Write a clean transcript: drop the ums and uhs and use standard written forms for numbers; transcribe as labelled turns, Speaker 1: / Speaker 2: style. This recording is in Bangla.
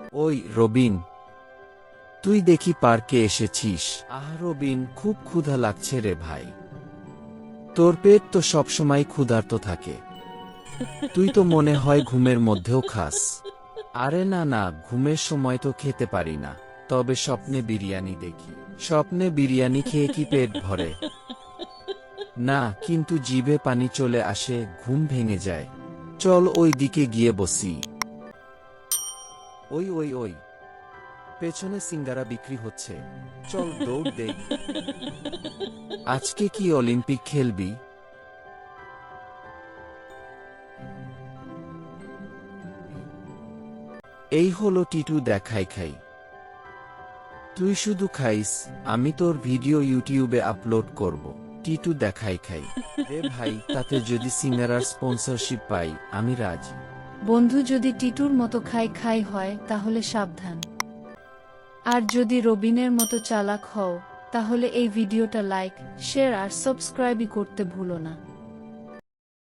Speaker 1: ওই রবিন, তুই দেখি পার্কে এসেছিস। রবিন, খুব ক্ষুধা লাগছে রে ভাই। তোর পেট তো সবসময় ক্ষুধার্ত থাকে। তুই তো মনে হয় ঘুমের মধ্যেও খাস। আরে না না, ঘুমের সময় তো খেতে পারি না, তবে স্বপ্নে বিরিয়ানি দেখি। স্বপ্নে বিরিয়ানি খেয়ে কি পেট ভরে? না, কিন্তু জিভে পানি চলে আসে, ঘুম ভেঙে যায়। চল ওই দিকে গিয়ে বসি। ওই ওই ওই, পেছনে সিঙ্গারা বিক্রি হচ্ছে, চল দৌড় দেই। আজকে কি অলিম্পিক খেলবি? এই হলো টিটু, দেখাই খাই। তুই শুধু খাইস, আমি তোর ভিডিও ইউটিউবে আপলোড করব। টিটু দেখাই খাই। এ ভাই, তাতে যদি সিঙ্গারার স্পন্সরশিপ পাই আমি রাজি।
Speaker 2: বন্ধু, যদি টিটুর মতো খাই খাই হয় তাহলে সাবধান। আর যদি রবিনের মতো চালাক হও তাহলে এই ভিডিওটা লাইক, শেয়ার আর সাবস্ক্রাইবই করতে ভুলো না।